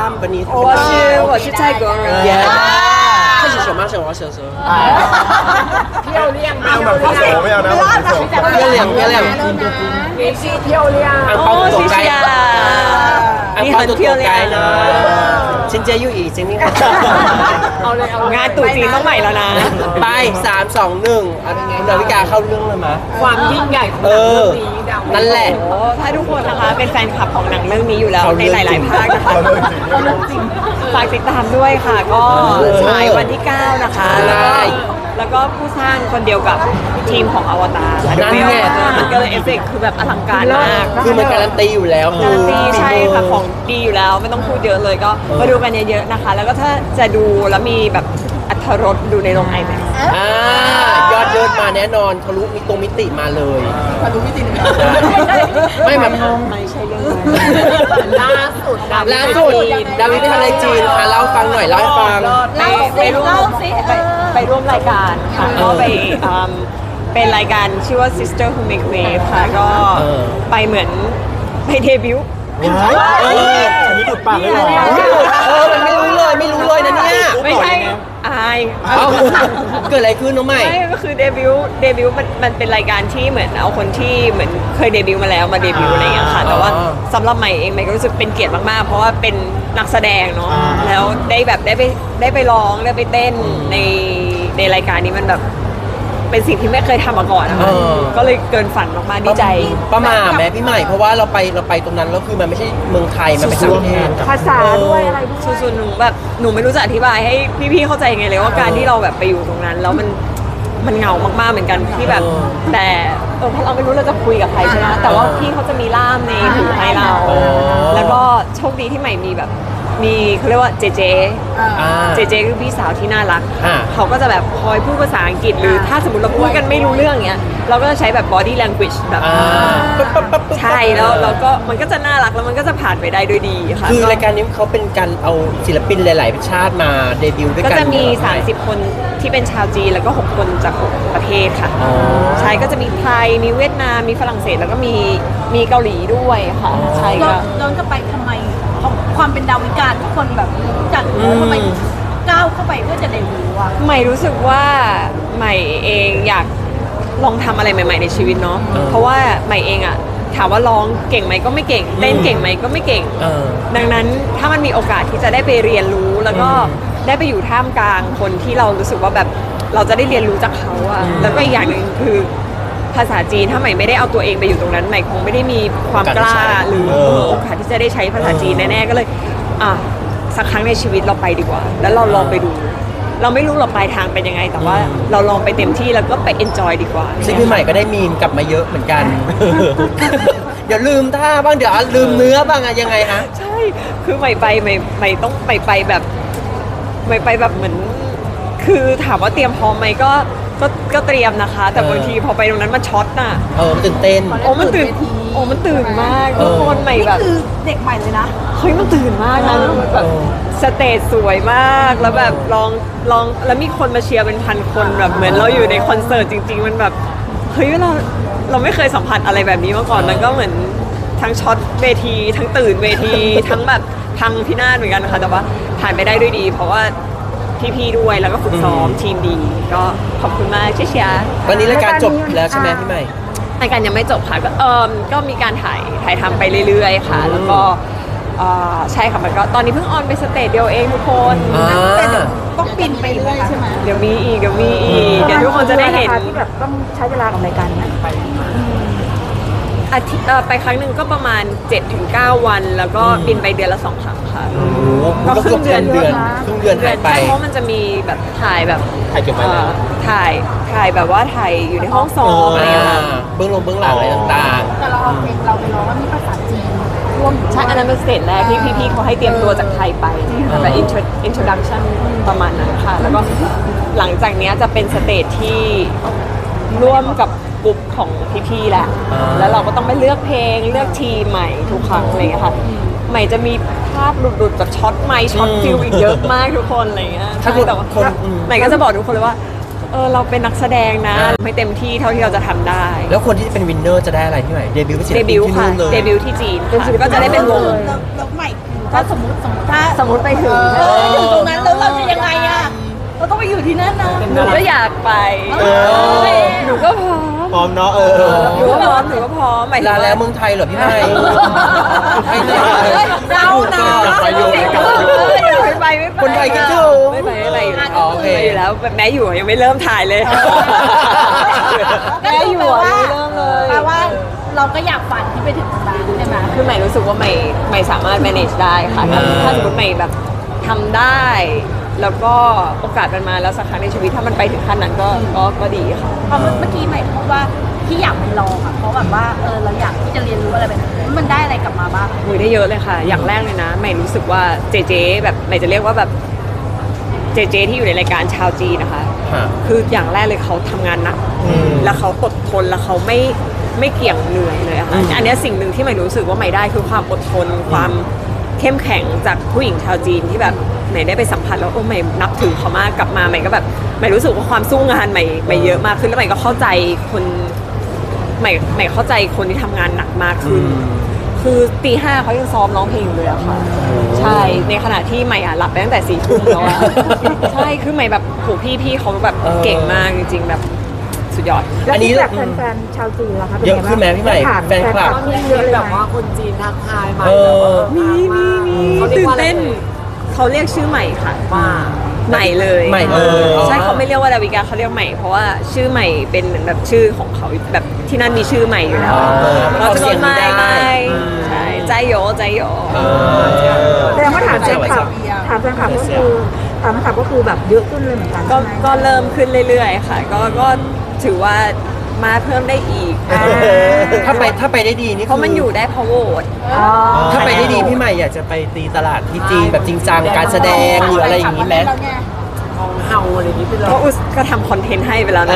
本尼？ 我是泰国人。 开始什么？什么？什么？ 漂亮吗？ 没有呢， 漂亮漂亮， 也是漂亮。 哦，谢谢啊，你很漂亮呢。ฉันจะอยู่อีกจริงไหมคะงานตู่จีนต้องใหม่แล้วนะไป3 2 1คุณดาวิกาเข้าเรื่องเลยมั้ยความยิ่งใหญ่ของหนังเรื่องนี้ดาวนั่นแหละโอ้ถ้าทุกคนนะคะเป็นแฟนคลับของหนังเรื่องนี้อยู่แล้วในหลายๆภาคนะคะฝากติดตามด้วยค่ะ ก็ฉายวันที่ 9 นะคะ แล้วก็ผู้สร้างคนเดียวกับทีมของอวตารค่ะนั่นไงมันก็เลยเอฟเฟกต์คือแบบอลังการมากคือมันการันตีอยู่แล้วการันตีใช่ค่ะของดีอยู่แล้วไม่ต้องพูดเยอะเลยก็มาดูกันเยอะๆนะคะ แล้วก็ถ้าจะดูแล้วมีแบบอรรถรสดูในโรง IMAX ยอดเยินมาแน่นอนทะลุมิติมาเลยทะลุมิติไม่แบบไม่ใช่เรื่องล่าสุดดาวิดไปทำอะไรจีนคะเล่าฟังหน่อยเล่าให้ฟังไปร่วมรายการค่ะก็ไปเป็นรายการชื่อว่า Sister Who Make Wave ค่ะก็ไปเหมือนไปเดบิวต์อันนี้ดูดปากเลยเหรอมันไม่รู้เลยนะเนี่ยไม่ใช่อายเกิดอะไรขึ้นน้องใหม่ไม่ก็คือเดบิวต์มันเป็นรายการที่เหมือนเอาคนที่เหมือนเคยเดบิวต์มาแล้วมาเดบิวต์อะไรอย่างเงี้ยค่ะแต่ว่าสำหรับใหม่เองใหม่ก็รู้สึกเป็นเกียรติมากๆเพราะว่าเป็นนักแสดงเนาะแล้วได้ไปร้องได้ไปเต้นในรายการนี้มันแบบเป็นสิ่งที่ไม่เคยทำมาก่อนนะคะก็เลยเกินฝันมากๆดีใจประมาทแม่พี่ใหม่เพราะว่าเราไปตรงนั้นแล้วคือมันไม่ใช่เมืองไทยมันเป็นต่างประเทศภาษาด้วยอะไรด้วยส่วนหนูแบบหนูไม่รู้จะอธิบายให้พี่ๆเข้าใจยังไงเลยว่าการที่เราแบบไปอยู่ตรงนั้นแล้วมันเหงามากๆเหมือนกันที่แบบแต่เพราะเราไม่รู้เราจะคุยกับใครใช่ไหมแต่ว่าพี่เขาจะมีล่ามในหูให้เรา แล้วก็โชคดีที่ใหม่มีแบบมีเขาเรียกว่าเจเจคือพี่สาวที่น่ารักเขาก็จะแบบคอยพูดภาษาอังกฤษหรือถ้าสมมติเราพูดกันไม่รู้เรื่องเงี้ยเราก็จะใช้แบบ body language แบบใช่แล้วเราก็มันก็จะน่ารักแล้วมันก็จะผ่านไปได้ด้วยดีค่ะคือรายการนี้เขาเป็นการเอาศิลปินหลายๆชาติมาเดบิวต์ด้วยก็กันจะมี30 คนที่เป็นชาวจีนแล้วก็6 คนจาก6 ประเทศค่ะใช่ก็จะมีไทยมีเวียดนามมีฝรั่งเศสแล้วก็มีเกาหลีด้วยค่ะใช่ก็ย้อนกลับไปทำไมของความเป็นดาวิกาทุกคนแบบรู้จักทำไมก้าวเข้าไปเพื่อจะเดบิวต์อ่ะใหม่รู้สึกว่าใหม่เองอยากลองทำอะไรใหม่ๆในชีวิตเนาะเพราะว่าใหม่เองอะถามว่าร้องเก่งไหมก็ไม่เก่งเต้นเก่งไหมก็ไม่เก่งดังนั้นถ้ามันมีโอกาสที่จะได้ไปเรียนรู้แล้วก็ได้ไปอยู่ท่ามกลางคนที่เรารู้สึกว่าแบบเราจะได้เรียนรู้จากเขาอะแล้วก็อีกอย่างหนึ่งคือภาษาจีนถ้าใหม่ไม่ได้เอาตัวเองไปอยู่ตรงนั้นใหม่คงไม่ได้มีความกล้าหรือโอกาสที่จะได้ใช้ภาษาจีนแน่ๆก็เลยสักครั้งในชีวิตเราไปดีกว่าแล้วเราลองไปดูเราไม่รู้หรอกปลายทางเป็นยังไงแต่ว่าเราลองไปเต็มที่แล้วก็ไป enjoy ดีกว่าซึ่งพี่ใหม่ก็ได้มีมกลับมาเยอะเหมือนกัน เดี๋ยวลืมท่าบ้างเดี๋ยวลืมเนื้อบ้างอะยังไงฮะใช่คือใหม่ต้องไปแบบใหม่ไปแบบเหมือนคือถามว่าเตรียมพร้อมไหมก็เตรียมนะคะ แต่บางทีพอไปตรงนั้นมันช็อตน่ะตื่นเต้นมันตื่นมากทุกคนใหม่แบบคือเด็กใหม่เลยนะเฮ้ยมันตื่นมากนะแบบสเตจสวยมากแล้วแบบลองแล้วมีคนมาเชียร์เป็นพันคนแบบเหมือนเราอยู่ในคอนเสิร์ตจริงๆมันแบบเฮ้ยเราไม่เคยสัมผัสอะไรแบบนี้มาก่อนมันก็เหมือนทั้งช็อตเวทีทั้งตื่นเวที ทั้งแบบพังพินาศเหมือนกันค่ะแต่ว่าผ่านไปได้ด้วยดี เพราะว่าพี่ๆด้วยแล้วก็ฝึกซ้อมทีมดีก็ขอบคุณมากเชียร์ตอนนี้รายการจบแล้วใช่ไหมพี่ใหม่รายการยังไม่จบค่ะก็มีการถ่ายทำไปเรื่อยๆค่ะแล้วก็ใช่ค่ะมันก็ตอนนี้เพิ่งออนไปสเตจเดียวเองทุกคนแต่เดี๋ยวต้องปินไปเรื่อยใช่ไหมเดี๋ยวมีอีกเดี๋ยวทุกคนจะได้เห็นที่แบบต้องใช้เวลากับรายการนี้ไปอาทิตย์ไปครั้งหนึ่งก็ประมาณ 7-9 วัน แล้วก็บินไปเดือนละ 2 ครั้งค่ะก็ครึ่งเดือนหายไปเพราะมันจะมีแบบถ่ายแบบถ่ายเก็บไว้แล้วถ่ายแบบว่าถ่ายอยู่ในห้องซ้อมอะไรอย่างเงี้ยค่ะเบื้องหลังอะไรต่างแต่เราเอาเพลงเราไปร้องว่ามีภาษาจีนร่วมอยู่ใช่ อันนั้นเป็นสเตจแรกที่พี่ๆเขาให้เตรียมตัวจากไทยไปแบบ introduction ประมาณนั้นค่ะ แล้วก็หลังจากเนี้ยจะเป็นสเตจที่ร่วมกับกลุ่มของพี่ๆแหละ แล้วเราก็ต้องไปเลือกเพลงเลือกทีมใหม่ทุกครั้งอะไรอย่างเงี้ยค่ะ ใหม่จะมีภาพหลุดๆจากช็อตไมค์ช็อตฟิลอีกเยอะมากทุกคนอะไรอย่างเงี้ยๆถ้าใช่แต่ว่าคนใหม่ก็จะบอกทุกคนเลยว่าเราเป็นนักแสดงนะไม่เต็มที่เท่าที่เราจะทำได้แล้วคนที่เป็นวินเนอร์จะได้อะไรพี่ใหม่เดบิวต์เป็นศิลเดปินบิวต์ที่ค่ะนู่นเลยเดบิวต์ที่จีนค่ะก็จะได้เป็นวงแล้วใหม่คือถ้าสมมติถ้าสมมติไปถึงอยู่ตรงนั้นแล้วเราจะยังไงอ่ะเราต้องไปอยู่ที่นั่นนะหนูก็อยากไป หนูก็พร้อมพร้อมเนาะหนูก็พร้อมหมายถึงลาว่าแล้วเมืองไทยเหรอพี่ไม่ไม่ได้เรานะไปอยู่ในกลับอยู่ไม่ไปคนไทยคิดถึงไม่ไปอยู่แล้วอ๋อโอเคไปอยู่แล้วแม้อยู่ยังไม่เริ่มถ่ายเลย แม่อยู่อะยังไม่เริ่มเลยแปลว่าเราก็อยากฝันที่ไปถึงตรงนั้นใช่ไหมคือใหม่รู้สึกว่าใหม่สามารถ manage ได้ค่ะถ้าสมมติใหม่แบบทำได้ แล้วก็โอกาสมันมาแล้วสักครั้งในชีวิตถ้ามันไปถึงขั้นนั้นก็ดีค่ะพอเมื่อกี้ใหม่พูดว่าที่อยากไปลองอ่ะเพราะแบบว่าเราอยากที่จะเรียนรู้อะไรแบบนี้มันได้อะไรกลับมาบ้างหนูได้เยอะเลยค่ะ อย่างแรกเลยนะใหม่รู้สึกว่าเจแบบใหม่จะเรียกว่าแบบเจที่อยู่ในรายการชาวจีนนะคะฮะคืออย่างแรกเลยเขาทำงานหนัก แล้วเขาอดทนแล้วเขาไม่เกี่ยงเหนื่อยเลยอะค่ะอันเนี้ยสิ่งหนึ่งที่ใหม่รู้สึกว่าใหม่ได้คือความอดทนความเข้มแข็งจากผู้หญิงชาวจีนที่แบบใหม่ได้ไปสัมผัสแล้วใหม่นับถือเขามากกลับมาใหม่ก็แบบใหม่รู้สึกว่าความสู้งานใหม่เยอะมากขึ้นแล้วใหม่ก็เข้าใจคนใหม่เข้าใจคนที่ทำงานหนักมากขึ้น คือตี 5เขายังซ้อมร้องเพลงอยู่เลยอะค่ะ ใช่ในขณะที่ใหม่หลับไปตั้งแต่4 ทุ่มแล้วอะใช่คือใหม่แบบโหพี่เขาแบบเก่งมากจริงๆแบบสุดยอดแล้วที่แบบแฟนๆชาวจีนล่ะคะเป็นเยไงอะบ้างขึ้นไหมพี่ใหม่ผ่านแฟนคลับเยอะเลยไหมคนจีนทักทายมาเออมีเขาเรียตื่กนว่าอะไรเต้นเขาเรียกชื่อใหม่ค่ะว่าใหม่เลยใหม่เลยใช่เขาไม่เรียกว่าดาวิกาเขาเรียกใหม่เพราะว่าชื่อใหม่เป็นเหมือนแบบชื่อของเขาแบบที่นั่นมีชื่อใหม่อยู่แล้ว เราจะโดนไม่ใช่ใจโยแสดงว่าถามแฟนคลับก็คือแบบเยอะขึ้นเลยเหมือนกันก็ใช่ไหมก็เริ่มขึ้นเรื่อยๆค่ะก็ถือว่ามาเพิ่มได้อีกถ้าไปได้ดีนี่เพราะมันอยู่ได้เพราะโหวตอ๋อถ้าไปได้ดีพี่ใหม่อยากจะไปตีตลาดที่จีนแบบจริงจังการแสดงหรืออะไรอย่างนี้ไหมของเฮาอะไรอย่างนี้ไปเลยก็อุสก็ทำคอนเทนต์ให้ไปแล้วนะ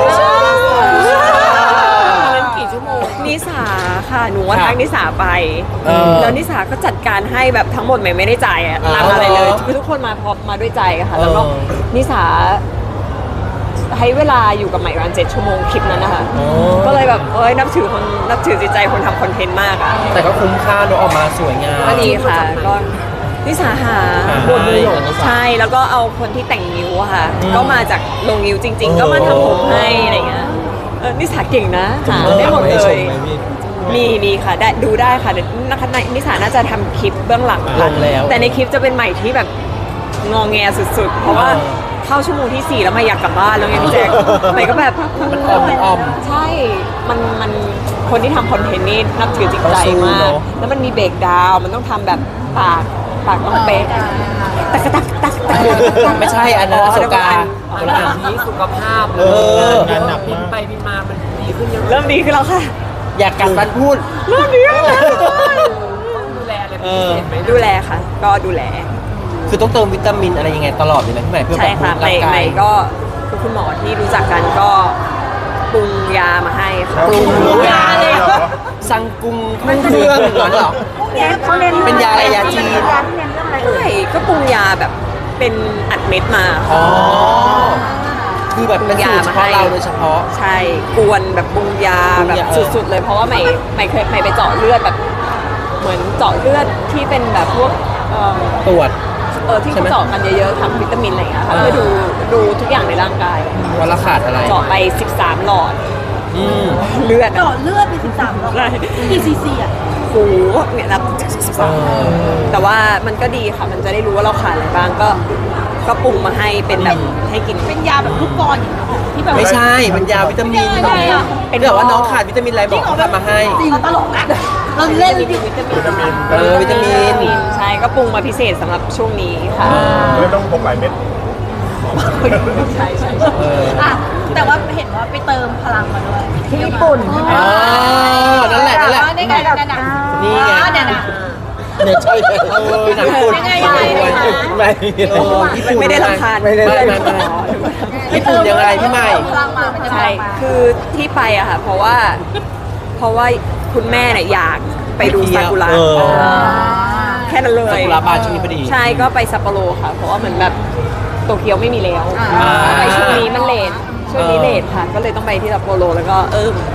เล่นกี่ชั่วโมงนิสาค่ะหนูว่าทักนิสาไป แล้วนิสาก็จัดการให้แบบทั้งหมดไม่ได้จ่ายอะตังค์อะไรเลยคือทุกคนมาพร้อมมาด้วยใจอะค่ะ แล้วก็นิสาให้เวลาอยู่กับใหม่ประมาณ7 ชั่วโมงคลิปนั้นนะคะก็เลยแบบนับถือจิตใจคนทำคอนเทนต์มากอะแต่ก็คุ้มค่าเนอะออกมาสวยงามก็ดีค่ะก็นิสาหาบนมือหลงใช่แล้วก็เอาคนที่แต่งนิ้วอะค่ะ ก็มาจากลงนิ้วจริง ๆ ก็มาทำผมให้อะไรเงี้ยนิสาเก่งนะหาได้หมดเลย มีค่ะได้ดูได้ค่ะเดี๋ยวนะคะนิสาน่าจะทำคลิปเบื้องหลังลค่ะงแล้วแต่ในคลิปจะเป็นใหม่ที่แบบงอแงสุดๆ เพราะว่าเข้าชั่วโมงที่ 4 แล้วไม่อยากกลับบ้านแล้วไงพี่แจ๊คใหม่ก็แบบมันอ้อมใช่มันคนที่ทำคอนเทนต์นี่นับถือจิตใจมาก แล้วมันมีเบรกดาวน์มันต้องทำแบบปากต้องเป๊ะตักไม่ใช่อันนั้นประสบการณ์อันนี้สุขภาพงานหนักบิมาน กไปบินมามันดีขึ้นเยอะเริ่มดีขึ้นแล้วค่ะอยากกัดฟันพูดเริ่มดีแล้วต้องดูแลอะไรเป็นพิเศษไหมดูแลค่ะ ก็ดูแลคือต้องเติมวิตามินอะไรยังไงตลอดเลยนะพี่ใหม่เพื่อใช่บำรุค่ะงใหร่างกาม่ยก็คุณหมอที่รู้จักกันก็ปรุงยามาให้ค่ะปรุงยาเลยสั่งกรุงเครื่องเหมือนเหรอเขาเน้นเป็นยาอะไรยาจีนยาที่เน้นเรื่องอะไรเอ่ใช่ยก็ปรุงยาแบบเป็นอัดเม็ดมาอ๋อ คือแบบเป็นสูตรเฉพาะเราโดยเฉพาะใช่กวนแบบปรุงยาแบบสุดๆเลยเพราะว่าใหม่เคยไปเจาะเลือดแบบ เหมือนเจาะเลือดที่เป็นแบบพวกตรวจที่ใช่ไหมเขาเจาะกันเยอะๆทำวิตามินอะไรอย่างเงี้ยค่ะเพื่อดูทุกอย่างในร่างกายว่าเราขาดอะไรเจาะไป13 หลอดอืมเลือดเจาะเลือดไป13รอบใช่กี่ซีซีอ่ะโหเนี่ยนับ13แต่ว่ามันก็ดีค่ะ มันจะได้รู้ว่าเราขาดอะไรบ้างก็ปรุงมาให้เป็นแบบให้กินเป็นยาแบบลูกกรอนอย่างเงี้ยที่แบบไม่ใช่มันยาวิตามินไม่ได้อะเป็นแบบว่าน้องขาดวิตามินอะไรบอกเขาทำมาให้จริงตลกนะเราเล่นดิวิตามินวิตามินใช่ก็ปรุงมาพิเศษสำหรับช่วงนี้ค่ะไม่ต้องพกหลายเม็ดใช่อ่ะแต่ว่าเห็นว่าไปเติมพลังมาด้วยที่ญี่ปุ่นใช่ไหมอ๋อนั่นแหละนี่ไงนั่นน่ะนี่ไงเนี่ยนะเนี่ยใช่เลยหนังญี่ปุ่นยังไงนะคะไม่ญี่ปุ่นไม่ได้รำคาญไม่ญี่ปุ่นยังไงพี่ใหม่พลังมามันจะใช่คือที่ไปอะค่ะ เพราะว่าคุณแม่เนี่ยอยากไปดูซากุระ แค่นั้นเลยซากุระบานช่วงนี้พอดีใช่ก็ไปซัปโปโรค่ะ เพราะว่าเหมือนแบบโตเกียวไม่มีแล้วไปช่วงนี้มันเลทช่วงนี้เลทค่ะ ก็เลยต้องไปที่ซัปโปโรแล้วก็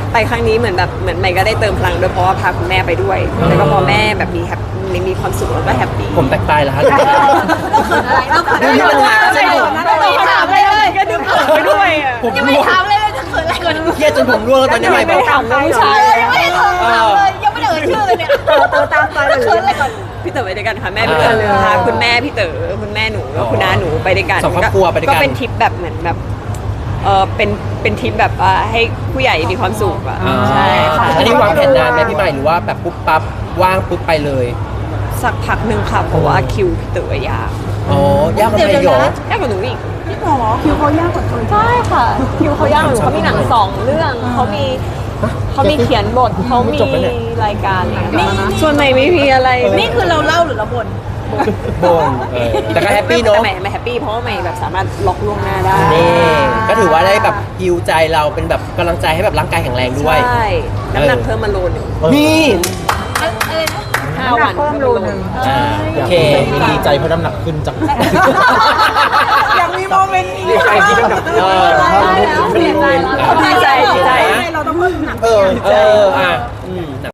ไปครั้งนี้เหมือนใหม่ก็ได้เติมพลังด้วยเพราะว่าพาคุณแม่ไปด้วย แล้วก็พอแม่แบบมีความสุขแล้วก็แฮปปี้ผมแตกตายแล้วฮะเราเขินอะไรเราเขินอะไรนี่มันหาเราเขินอะไรเราถามอะไรเลยก็ดูเขินไปด้วยอ่ะผมยังไม่ได้ถามเลยจะเขินอะไรก่อนเครียดจนผมร่วงแล้วตอนนี้ใหม่ไม่บอกถามเรื่องผู้ชายยังไม่ได้ถามเลยยังไม่ได้เอ่ยชื่อเลยเนี่ยเต๋อตามไปเลยเขินอะไรก่อนพี่เต๋อไปด้วยกันค่ะแม่พี่เต๋อพาคุณแม่พี่เต๋อคุณแม่หนูแล้วคุณน้าหนูไปด้วยกันสองครอบครัวไปด้วยกันก็เป็นทริปแบบเหมือนแบบเป็นทริปแบบว่าให้ผู้ใหญ่มีความสุขอ่ะใช่ค่ะอันนี้วางแผนนานไหมพี่ใหม่หรือว่าแบบปุ๊บปั๊บว่างปุ๊บไปเลยสักพักหนึ่งค่ะเพราะว่าคิวพี่เต๋อยากอ๋อยากกว่าไม่หยอกยากกว่าหนูอีกพี่หมอคิวเขายากกว่าคนใช่ค่ะคิวเขายากกว่าหนูเขามีหนัง2 เรื่องเขามีเขียนบทเขามีรายการอะไรอย่างเงี้ยส่วนใหม่ไม่มีอะไรนี่คือเราเล่าหรือเราบ่นบนแต่ก็แฮปปี้เนาะแต่ใหม่แฮปปี้เพราะว่าใหม่แบบสามารถล็อกล่วงหน้าได้นี่ก็ถือว่าได้แบบฮิวใจเราเป็นแบบกำลังใจให้แบบร่างกายแข็งแรงด้วยใช่น้ำหนักเพิ่มมาโลนึงนี่อะไรนะ 5 วันเพิ่มโลนึงโอเคดีใจเพราะน้ำหนักขึ้นจังอยากมีโมเมนต์นี้ดีใจที่น้ำหนักขึ้นเสียใจแล้วดีใจเราต้องเพิ่มน้ำหนักอ่ะ